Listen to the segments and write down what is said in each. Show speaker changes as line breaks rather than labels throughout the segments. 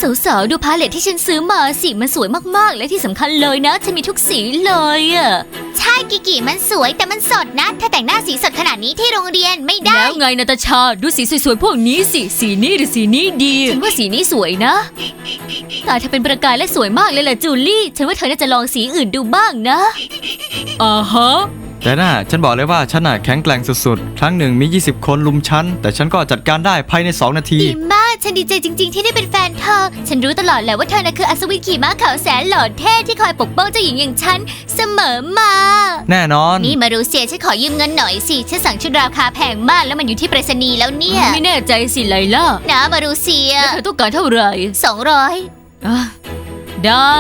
สาวๆดูพาเลทที่ฉันซื้อมาสิมันสวยมากๆและที่สำคัญเลยนะฉันมีทุกสีเลยอะใช่กิกิมันสวยแต่มันสดนะถ้าแต่งหน้าสีสดขนาดนี้ที่โรงเรียนไม่ได้แล้วไงนาตาชาดูสีสวยๆพวกนี้สิสีนี้หรือสีนี้ดีฉันว่าสีนี้สวยนะตาเธอเป็นประกายและสวยมากเลยล่ะจูลี่ฉันว่าเธอน่าจะลองสีอื่นดูบ้างนะฮะ
แต่น่ะฉันบอกเลยว่าฉันน่ะแข็งแกร่งสุดๆครั้งหนึ่งมี20คนลุมฉันแต่ฉันก็จัดการได้ภายใน2 นาที
ดีมากฉันดีใจจริงๆที่ได้เป็นแฟนเธอฉันรู้ตลอดแหละว่าเธอน่ะคืออัศวินขี่ม้าขาวแสนหล่อเท่ที่คอยปกป้องเจ้าหญิงอย่างฉันเสมอมา
แน่นอน
นี่มารูเซียฉันขอยืมเงินหน่อยสิฉันสั่งชุดราคาแพงมากแล้วมันอยู่ที่ไปรษณีย์แล้วเนี่ยไม่แน่ใจสิไลล่านะมารูเซียแล้วเธอต้องการเท่าไหร่200ได้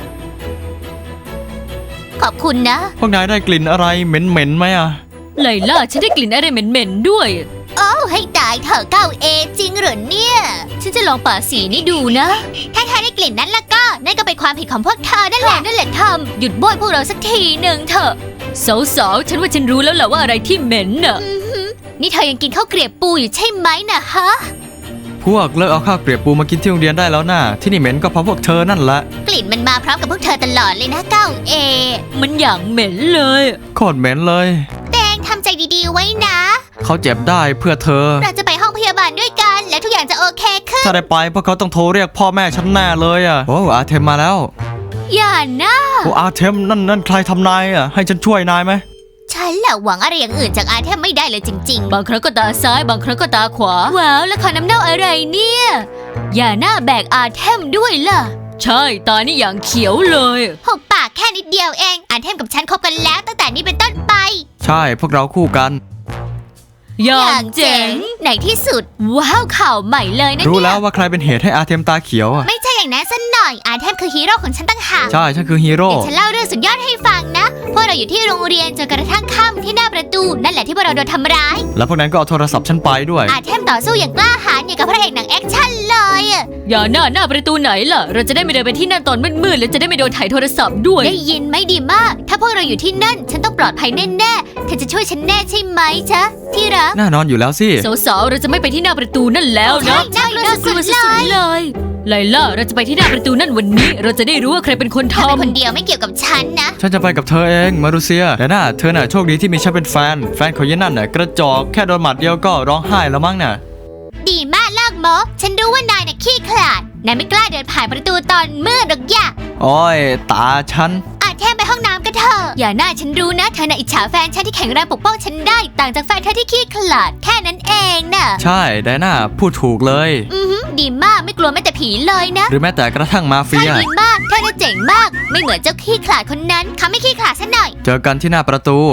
ขอบคุณนะ
พวกนายได้กลิ่นอะไรเหม็นๆไหมอะ
ไลล่าฉันได้กลิ่นอะไรเหม็นๆด้วยโอ้ให้ตายเธอ9A จริงเหรอเนี่ยฉันจะลองป่าสีนี้ดูนะถ้าเธอได้กลิ่นนั้นแล้วก็นั่นก็เป็นความผิดของพวกเธอนั่นแหละทำหยุดบ่นพวกเราสักทีหนึ่งเถอะสาวๆฉันว่าฉันรู้แล้วแหละว่าอะไรที่เหม็นน่ะนี่เธอยังกินข้าวเกรียบปูอยู่ใช่ไหมนะฮะ
พวกเลิกเอาข้าวเกรียบปูมากินที่โรงเรียนได้แล้วนะที่นี่เหม็นก็เพราะพวกเธอนั่นแหละ
กลิ่นมันมาพร้อมกับพวกเธอตลอดเลยนะ9Aมันอย่างเหม็นเลย
โคตรเหม็นเลย
แดงทำใจดีๆไว้นะ
เขาเจ็บได้เพื่อเธอ
เราจะไปห้องพยาบาลด้วยกันและทุกอย่างจะโอเคขึ้น
ถ้าได้ไปพวกเขาต้องโทรเรียกพ่อแม่ฉันแน่เลยอ่ะโอ้อาเทมมาแล้ว
อย่านะ
โอ้อาเทมนั่นใครทำนายอ่ะให้ฉันช่วยนายไหม
ฉันแหละหวังอะไรอย่างอื่นจากอาเทมไม่ได้เลยจริงๆบางครั้งก็ตาซ้ายบางครั้งก็ตาขวาว้าวแล้วขอน้ำเน่าอะไรเนี่ยอย่าหน้าแบกอาเทมด้วยล่ะใช่ตานี่อย่างเขียวเลยหุบปากแค่นิดเดียวเองอาเทมกับฉันคบกันแล้วตั้งแต่นี้เป็นต้นไป
ใช่พวกเราคู่กัน
อย่างเจ๋งในที่สุดว้าวข่าวใหม่เลยนะเนี่ย
รู้แล้วว่าใครเป็นเหตุให้อาเทมตาเขียวอ่ะ
ไม่ใช่อย่างนั้นสักหน่อยอาเทมคือฮีโร่ของฉันตั้งหาก
ใช่ฉันคือฮีโร่
เดี๋ยวฉันเล่าเรื่องสุดยอดให้ฟังนะพวกเราอยู่ที่โรงเรียนจนกระทั่งค่ำที่หน้าประตูนั่นแหละที่พวกเราโดนทำร้าย
แล้วพวกนั้นก็เอาโทรศัพท์ฉันไปด้วย
อาเทมต่อสู้อย่างกล้าหาญอย่างกับพระเอกหนังแอคชั่นเลยอย่าหน้าประตูไหนล่ะเราจะได้ไม่เดินไปที่นั่นตอนมืดๆและจะได้ไม่โดนถ่ายโทรศัพท์ด้วยได้ยินไหมดีมากถ้าพวกเราอยู่ที่นั่นฉันต้องปลอดภัยแน่ๆเธอจะช่วยฉันแน่ใช่ไหมจ๊ะที่รัก
แน่นอนอยู่แล้วสิ
สาวๆเราจะไม่ไปที่หน้าประตูนั่นแล้วนะใช่น่ากลัวสุดๆเลยไลล่าเราจะไปที่หน้าประตูนั่นวันนี้เราจะได้รู้ว่าใครเป็นคนทำเป็นคนเดียวไม่เกี่ยวกับฉันนะ
ฉันจะไปกับเธอเองมารูเซียแต่น่ะเธอน่ะโชคดีที่มีฉันเป็นแฟนของยันนั่นน่ะกระจอกแค่โดนหมัดเดียวก็ร้องไห้แล้วมั้งน่ะ
ดีมากเลิกโมฉันรู้ว่านายน่ะขี้ขลาดนายไม่กล้าเดินผ่านประตูตอนมืดหรอกย่า
โอ้ยตาฉัน
แค่ไปห้องน้ำกันเถอะอย่าหน้าฉันรู้นะเธอน่ะอิจฉาแฟนฉันที่แข็งแรงปกป้องฉันได้ต่างจากแฟนเธอที่ขี้ขลาดแค่นั้นเองน่ะ
ใช่ไดน่าพูดถูกเลย
ดีมากไม่กลัวแม้แต่ผีเลยนะ
หรือแม้แต่กระทั่งมาเฟีย
ดีมากเธอน่ะเจ๋งมากไม่เหมือนเจ้าขี้ขลาดคนนั้นเขาไม่ขี้ขลาดซะหน่อย
เจอกันที่หน้าประตู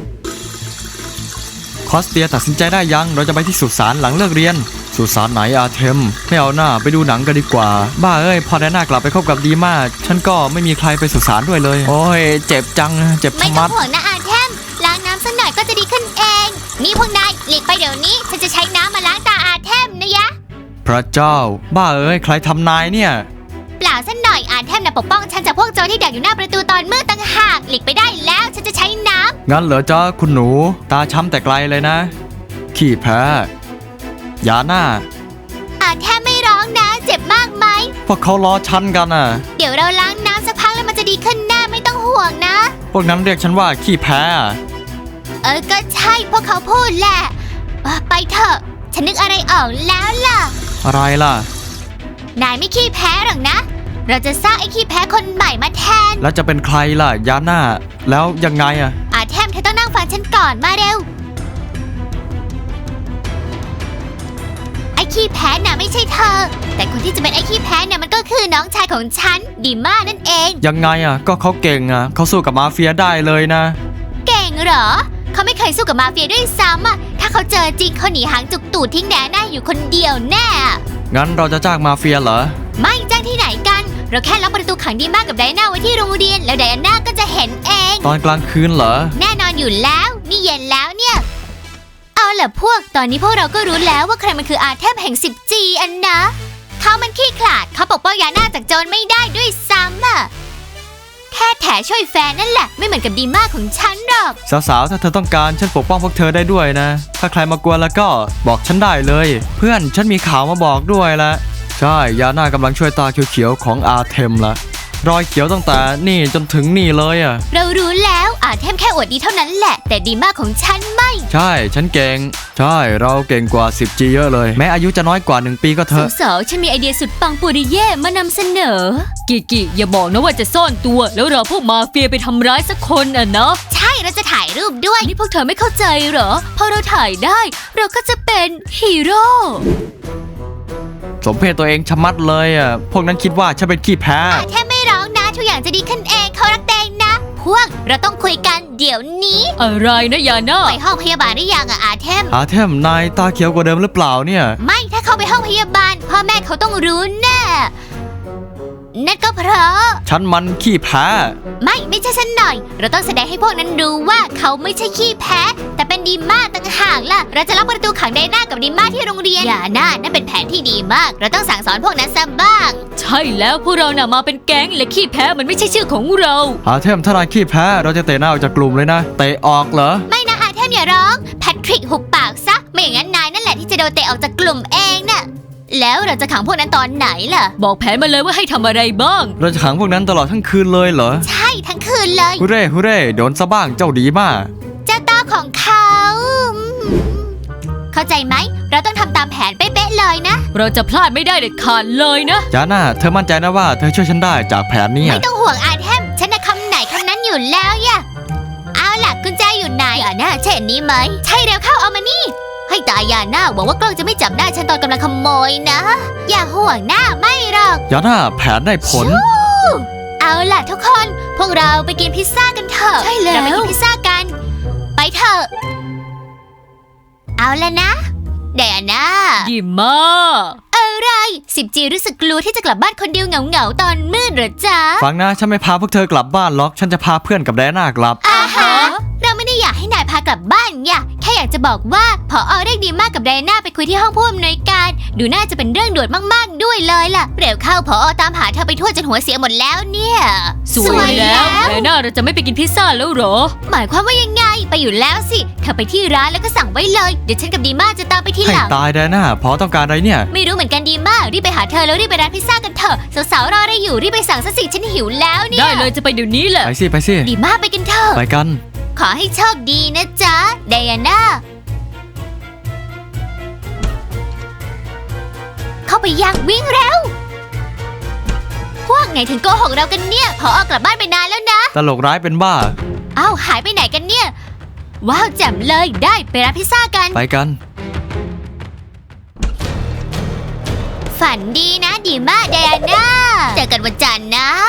คอสเตียตัดสินใจได้ยังเราจะไปที่สุสานหลังเลิกเรียนสุสานไหนอาเทมไม่เอาหน้าไปดูหนังกันดีกว่าบ้าเอ้ยพอไดน่ากลับไปคบกับดีมากฉันก็ไม่มีใครไปสุสานด้วยเลยโอ้ยเจ็บจังเจ็บทั้งมัด
ไม่ต้องห่วงนะอาเทมล้างน้ำสักหน่อยก็จะดีขึ้นเองนี่พวกนายหลีกไปเดี๋ยวนี้ฉันจะใช้น้ำมาล้างตาอาเทมนะยะ
พระเจ้าบ้าเอ้ยใครทำนายเนี่ย
เปล่าสักหน่อยอาเทมน่ะปกป้องฉันจากพวกโจรที่ดักอยู่หน้าประตูตอนมืดต่างหากหลีกไปได้แล้วฉันจะใช้น้ำ
งั้นเหรอจ๊ะคุณหนูตาช้ำแต่ไกลเลยนะขี้แพ้อย่าหน้า
แทบไม่ร้องนะเจ็บมากไหม
พวกเขาล้อฉันกันอ่ะ
เดี๋ยวเราล้างน้ำสักพักแล้วมันจะดีขึ้นแน่ไม่ต้องห่วงนะ
พวกนั้นเรียกฉันว่าขี้แพ้
ก็ใช่พวกเขาพูดแหละไปเถอะฉันนึกอะไรออกแล้วล่ะ
อะไรล่ะ
นายไม่ขี้แพ้หรอกนะเราจะสร้างไอ้ขี้แพ้คนใหม่มาแทน
แล้วจะเป็นใครล่ะยาน่าแล้วยังไง
แทมเธอต้องนั่งฟังฉันก่อนมาเร็วไอ้ขี้แพ้น่ะไม่ใช่เธอแต่คนที่จะเป็นไอ้ขี้แพ้น่ะมันก็คือน้องชายของฉันดีมากนั่นเอง
ยังไงก็เขาเก่งเขาสู้กับมาเฟียได้เลยนะ
เก่งเหรอเขาไม่เคยสู้กับมาเฟียด้วยซ้ำถ้าเขาเจอจริงเขาหนีหางจุกตูดทิ้งแหน่อยู่คนเดียวแน่
งั้นเราจะจ้างมาเฟียเหรอ
ไม่จ้างที่ไหนกันเราแค่ล็อกประตูขังดีมากกับไดอาน่าไว้ที่โรงเรียนแล้วไดอาน่าก็จะเห็นเอง
ตอนกลางคืนเหรอ
แน่นอนอยู่แล้วนี่เย็นแล้วเนี่ยเอาล่ะพวกตอนนี้พวกเราก็รู้แล้วว่าใครมันคืออาเทพแห่ง 10G อันนะเขามันขี้ขลาดเขาปกป้องยาน่าจากโจรไม่ได้ด้วยซ้ำแค่แถช่วยแฟนนั่นแหละไม่เหมือนกับดีมากของฉันหรอก
สาวๆถ้าเธอต้องการฉันปกป้องพวกเธอได้ด้วยนะถ้าใครมากวนแล้วก็บอกฉันได้เลยเพื่อนฉันมีข่าวมาบอกด้วยละใช่ยาน่ากำลังช่วยตาเขียวๆของอาเทมละรอยเขียวตั้งแต่นี่จนถึงนี่เลยอ่ะ
เรารู้แล้วอาเทมแค่อวดดีเท่านั้นแหละแต่ดีมากของฉันไม่
ใช่ฉันเก่งใช่เราเก่งกว่า 10G เยอะเลยแม้อายุจะน้อยกว่า1 ปีก็เถอะ
สาวๆฉันมีไอเดียสุดปังปุริเย่มานำเสนอกิอย่าบอกนะว่าจะซ่อนตัวแล้วรอพวกมาเฟียไปทำร้ายสักคนอ่ะเนาะใช่เราจะถ่ายรูปด้วยนี่พวกเธอไม่เข้าใจเหรอพอเราถ่ายได้เราก็จะเป็นฮีโร่
สมเพศตัวเองชะมัดเลยอ่ะพวกนั้นคิดว่าฉันเป็นขี้แพ้
อาเทมไม่ร้องนะทุกอย่างจะดีขึ้นเองเขารักแดงนะพวกเราต้องคุยกันเดี๋ยวนี้อะไรนะยาน่าไปห้องพยาบาลหรือยังอะอาเทม
อาเทมนายตาเขียวกว่าเดิมหรือเปล่าเนี่ย
ไม่ถ้าเข้าไปห้องพยาบาลพ่อแม่เขาต้องรู้แน่นั่นก็เพราะ
ฉันมันขี้แพ้
ไม่ใช่ฉันหน่อย เราต้องแสดงให้พวกนั้นรู้ว่าเขาไม่ใช่ขี้แพ้ แต่เป็นดีม่าต่างหากล่ะเราจะล็อกประตูขังไดน่ากับดีม่าที่โรงเรียนอย่าน่านั่นเป็นแผนที่ดีมาก เราต้องสั่งสอนพวกนั้นซะบ้าง ใช่แล้วพวกเราน่ะมาเป็นแก๊งและขี้แพ้มันไม่ใช่ชื่อของเรา
อาเทมถ้านายขี้แพ้เราจะเตะหน้าออกจากกลุ่มเลยนะเตะออกเหรอ
ไม่นะอาเทมอย่าร้องแพทริกหุบปากซะไม่อย่างนั้นนายนั่นแหละที่จะโดนเตะออกจากกลุ่มเองน่ะแล้วเราจะขังพวกนั้นตอนไหนล่ะบอกแผนมาเลยว่าให้ทำอะไรบ้าง
เราจะขังพวกนั้นตลอดทั้งคืนเลยเหรอ
ใช่ทั้งคืนเลย
ฮูเร่ฮูเร่โดนซะบ้างเจ้าดีมาก
เจ้าต้าของเขาเข้าใจไหมเราต้องทำตามแผนเป๊ะๆเลยนะเราจะพลาดไม่ได้เด็ดขาดเลยนะ
จาน่าเธอมั่นใจนะว่าเธอช่วยฉันได้จากแผนนี้
ไม่ต้องห่วงอาเทมฉันน่ะคำไหนคำนั้นอยู่แล้วย่ะเอาล่ะกุญแจอยู่ไหนอย่าหน้าใช่อันนี้ไหมใช่แล้วเข้าเอามานี่ให้ตายอย่าหน้าหวังว่ากล้องจะไม่จับหน้าฉันตอนกำลังขโมยนะอย่าห่วงหน้าไม่หรอก
จาน่าแผนได้ผล
เอาล่ะทุกคนพวกเราไปกินพิซซ่ากันเถอะใช่แล้วเราไปกินพิซซ่ากันไปเถอะเอาละนะเดี๋ยวนะดีมากอะไร10Gรู้สึกกลัวที่จะกลับบ้านคนเดียวเหงาๆตอนมืดเหรอจ๊ะ
ฟังนะฉันไม่พาพวกเธอกลับบ้านหรอกฉันจะพาเพื่อนกับแดน่ากลับ
อาฮะเราไม่ได้อยากให้นายพากลับบ้านอย่าแค่อยากจะบอกว่าผอเรียกดีมากกับไดน่าไปคุยที่ห้องผู้อำนวยการดูน่าจะเป็นเรื่องด่วนมากๆด้วยเลยล่ะเร็วเข้าผอตามหาเธอไปทั่วจนหัวเสียหมดแล้วเนี่ยสวยแล้วไดน่าเราจะไม่ไปกินพิซซ่าแล้วเหรอหมายความว่ายังไงไปอยู่แล้วสิเธอไปที่ร้านแล้วก็สั่งไว้เลยเดี๋ยวฉันกับดีมากจะตามไปที่
ให้
หลัง
ตายแดน่าพอต้องการอะไรเนี่ย
ไม่รู้เหมือนกันดีมากรีบไปหาเธอแล้วรีบไปร้านพิซซ่ากันเถอะสาวๆรออะไรอยู่รีบไปสั่งซะสิฉันหิวแล้วเนี่ยได้เลยจะไปเดี๋ยวนี้แหละ
ไปสิไปสิ
ดีมากไปกันเถอะ
ไปกัน
ขอให้โชคดีนะจ๊ะไดอาน่าเข้าไปยังวิ่งเร็วพวกไหนถึงโกหกเรากันเนี่ยพอกลับบ้านไปนานแล้วนะ
ตลกร้ายเป็นบ้า
อ้าวหายไปไหนกันเนี่ยว้าวแจ่มเลยได้ไปร้านพิซซ่ากัน
ไปกัน
ฝันดีนะดีมากไดอาน่าเจอกันวันจันทร์นะ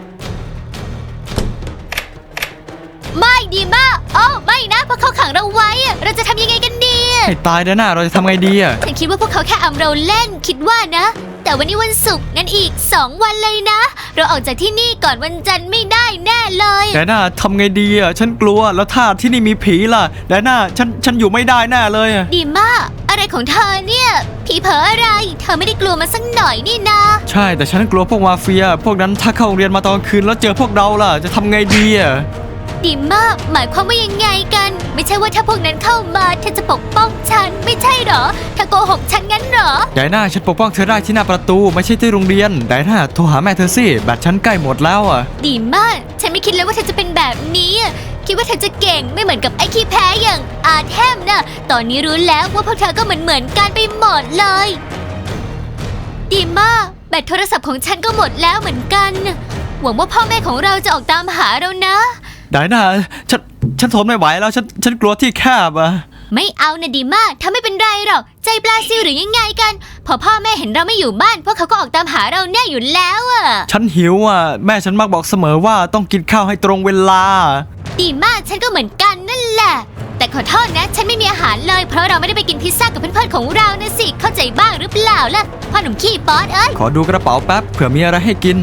ไม่ดีมากโอ้ไม่นะเพราะเขาขังเราไว้อะเราจะทำยังไงกันดี
ให้ตายแดน่าเราจะทำไงดีอ่ะ
ฉันคิดว่าพวกเขาแค่อำเราเล่นคิดว่านะ แต่วันนี้วันศุกร์งั้นอีก2 วันเลยนะ เราออกจากที่นี่ก่อนวันจันทร์ไม่ได้แน่เลย
แดน่าทำไงดีอ่ะฉันกลัวแล้วถ้าที่นี่มีผีล่ะแดน่าฉันอยู่ไม่ได้แน่เลยอะ
ดีมากอะไรของเธอเนี่ยผีเผลออะไร เธอไม่ได้กลัวมันสักหน่อยนี่นะ
ใช่แต่ฉันกลัวพวกมาเฟีย พวกนั้นถ้าเข้าโรงเรียนมาตอนคืนแล้วเจอพวกเราล่ะจะทำไงดีอ่ะ
ดีมากหมายความว่ายังไงกัน ไม่ใช่ว่าถ้าพวกนั้นเข้ามาเธอจะปกป้องฉันไม่ใช่เหรอเธอโกหกฉันงั้นเหรอ
ไดน่าฉันปกป้องเธอได้ที่หน้าประตูไม่ใช่ที่โรงเรียนไดน่าโทรหาแม่เธอสิแบตฉันใกล้หมดแล้วอ่ะ
ดีมากฉันไม่คิดเลยว่าเธอจะเป็นแบบนี้คิดว่าเธอจะเก่งไม่เหมือนกับไอ้ขี้แพ้อย่างอาเทมนะตอนนี้รู้แล้วว่าพวกเธอก็เหมือนกันไปหมดเลยดีมากแบตโทรศัพท์ของฉันก็หมดแล้วเหมือนกันหวังว่าพ่อแม่ของเราจะออกตามหาเรานะ
ไดน่าฉันทนไม่ไหวแล้วฉันกลัวที่แคบอ่ะ
ไม่เอานะดีมากถ้าไม่เป็นไรหรอกใจปลาซิวหรือยังไงกันพอพ่อแม่เห็นเราไม่อยู่บ้านพวกเขาก็ออกตามหาเราแน่อยู่แล้วอะ
ฉันหิวอ่ะแม่ฉันมักบอกเสมอว่าต้องกินข้าวให้ตรงเวลา
ดีมากฉันก็เหมือนกันนั่นแหละแต่ขอโทษนะฉันไม่มีอาหารเลยเพราะเราไม่ได้ไปกินพิซซ่ากับเพื่อนๆของเรานะสิเข้าใจบ้างหรือเปล่าล่ะพ่อหนุ่มขี้ป๊อดเอ้ย
ขอดูกระเป๋าแป๊บเผื่อมีอะไรให้กิน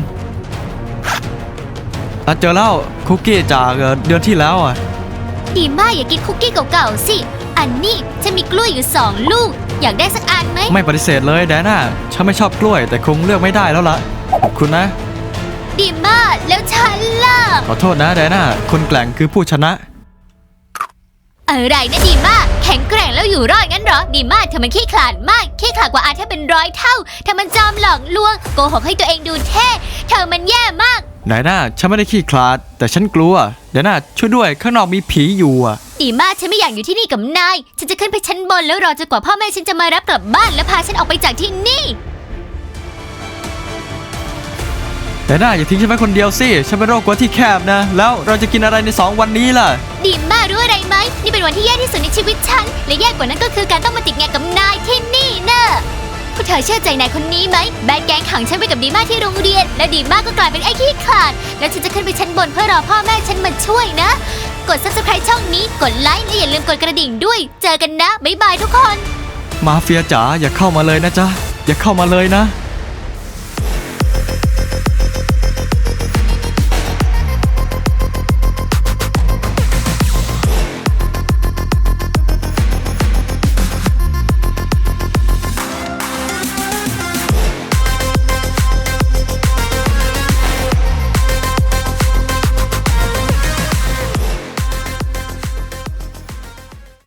เจอแล้วคุกกี้จากเดือนที่แล้วอ่ะ
ดีมากอย่ากินคุกกี้เก่าๆสิอันนี้ฉันมีกล้วยอยู่2 ลูกอยากได้สักอันไหม
ไม่ปฏิเสธเลยแดน่าฉันไม่ชอบกล้วยแต่คงเลือกไม่ได้แล้วล่ะขอบคุณนะ
ดีมากแล้วฉันล่ะ
ขอโทษนะแดน่าคนแกร่งคือผู้ชนะ
อะไรนะดีมากแข็งแกร่งแล้วแล้วอยู่รอดงั้นเหรอดีมากเธอมันขี้ขลาดมากขี้ขลาดกว่าอาเธอเป็น100 เท่าเธอมันจอมหลอกลวงโกหกให้ตัวเองดูเท่เธอมันแย่มาก
ไดอาน่าฉันไม่ได้ขี้คลาดแต่ฉันกลัวไดอาน่าช่วยด้วยข้างนอกมีผีอยู่อะ
ดีมากฉันไม่อยากอยู่ที่นี่กับนายฉันจะขึ้นไปชั้นบนแล้วรอจนกว่าพ่อแม่ฉันจะมารับกลับบ้านและพาฉันออกไปจากที่นี่
ไดอาน่าอย่าทิ้งฉันไว้คนเดียวสิฉันเป็นโรคกลัวที่แคบนะแล้วเราจะกินอะไรใน2 วันนี้ล่ะ
ดีมากรู้อะไรไหมนี่เป็นวันที่แย่ที่สุดในชีวิตฉันและแย่กว่านั้นก็คือการต้องมาติดงานกับนายที่นี่นะพวกเธอเชื่อใจนายคนนี้ไหมแบดแกงขังฉันไปกับดีมากที่โรงเรียนและดีมากก็กลายเป็นไอ้ขี้ขลาดแล้วฉันจะขึ้นไปชั้นบนเพื่อรอพ่อแม่ฉันมาช่วยนะกด Subscribe ช่องนี้กดไลค์และอย่าลืมกดกระดิ่งด้วยเจอกันนะบ๊ายบายทุกคน
มาเฟียจ๋าอย่าเข้ามาเลยนะจ๊ะอย่าเข้ามาเลยนะ